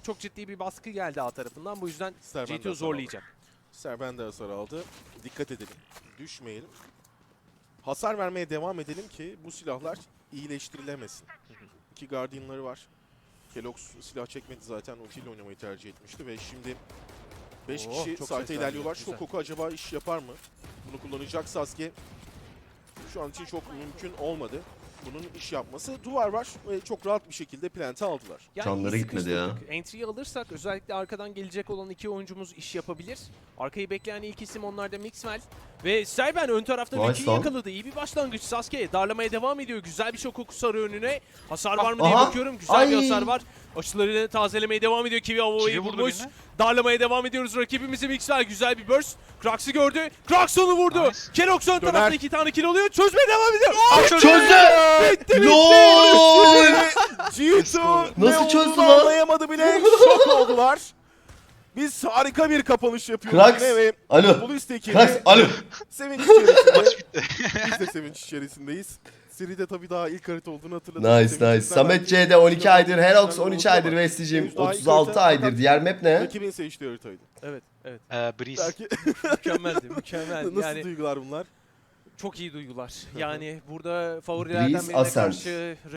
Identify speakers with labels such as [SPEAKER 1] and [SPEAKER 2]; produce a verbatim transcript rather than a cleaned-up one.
[SPEAKER 1] çok ciddi bir baskı geldi A tarafından. Bu yüzden
[SPEAKER 2] Serben de
[SPEAKER 1] G T O
[SPEAKER 2] hasar
[SPEAKER 1] zorlayacak.
[SPEAKER 2] aldı. Serben de hasar aldı. Dikkat edelim. Düşmeyelim. Hasar vermeye devam edelim ki bu silahlar iyileştirilemesin. İki Guardian'ları var. Kelox silah çekmedi zaten. Ultiyle oynamayı tercih etmişti ve şimdi beş
[SPEAKER 1] Oo,
[SPEAKER 2] kişi
[SPEAKER 1] çok
[SPEAKER 2] site'e
[SPEAKER 1] ses
[SPEAKER 2] ilerliyorlar.
[SPEAKER 1] verdi, güzel.
[SPEAKER 2] Shokoku acaba iş yapar mı? Bunu kullanacak Sasuke. Şu an için çok mümkün olmadı. Bunun iş yapması. Duvar var ve çok rahat bir şekilde plant'i aldılar.
[SPEAKER 1] Yani
[SPEAKER 3] Canları
[SPEAKER 1] iyi
[SPEAKER 3] gitmedi ya.
[SPEAKER 1] sıkıştırdık. Entry'yi alırsak özellikle arkadan gelecek olan iki oyuncumuz iş yapabilir. Arkayı bekleyen ilk isim onlarda Mixwell. Ve Serben ön tarafta
[SPEAKER 3] Nice
[SPEAKER 1] Ricky'yi
[SPEAKER 3] lan.
[SPEAKER 1] yakaladı. İyi bir başlangıç. Sasuke darlamaya devam ediyor. Güzel bir şok kokusu sarı önüne. Hasar var mı diye
[SPEAKER 3] Aha.
[SPEAKER 1] bakıyorum. Güzel
[SPEAKER 3] Ay.
[SPEAKER 1] bir hasar var. Açılarını tazelemeye devam ediyor. Kiwi Avova'yı
[SPEAKER 4] Kiwi vurdu
[SPEAKER 1] bulmuş.
[SPEAKER 4] birine.
[SPEAKER 1] Darlamaya devam ediyoruz. Rakibimizi Mixwell güzel bir burst. Krax'ı gördü. Krax onu vurdu.
[SPEAKER 4] Nice.
[SPEAKER 1] Kerox ön
[SPEAKER 2] Döner.
[SPEAKER 1] tarafta iki tane kill alıyor. Çözmeye devam ediyor.
[SPEAKER 3] Çözdü!
[SPEAKER 1] Bitti bitti.
[SPEAKER 3] LOL!
[SPEAKER 2] G T O ne
[SPEAKER 3] Nasıl çözdü
[SPEAKER 2] olduğunu
[SPEAKER 3] lan?
[SPEAKER 2] anlayamadı bile. Şok oldular. Biz harika bir kapanış yapıyoruz
[SPEAKER 3] Krax,
[SPEAKER 2] yine ve
[SPEAKER 3] alo.
[SPEAKER 2] Polis tekini
[SPEAKER 3] Krax, alo.
[SPEAKER 2] sevinç içerisinde.
[SPEAKER 4] Maç bitti.
[SPEAKER 2] Biz de sevinç içerisindeyiz. Seride tabii daha ilk harita olduğunu hatırladım.
[SPEAKER 3] Nice nice. Samet C'de on iki aydır, Herox on üç aydır, Vestige'im otuz altı aydır. Diğer map ne?
[SPEAKER 2] Rakibin seçtiği haritaydı.
[SPEAKER 1] Evet, evet.
[SPEAKER 4] Ee, Breeze.
[SPEAKER 2] Belki
[SPEAKER 1] Mükemmeldi, mükemmel.
[SPEAKER 2] nasıl
[SPEAKER 1] Yani
[SPEAKER 2] duygular bunlar?
[SPEAKER 1] çok iyi duygular. Yani burada favorilerden
[SPEAKER 3] Breeze
[SPEAKER 1] birine
[SPEAKER 3] Ascent.
[SPEAKER 1] karşı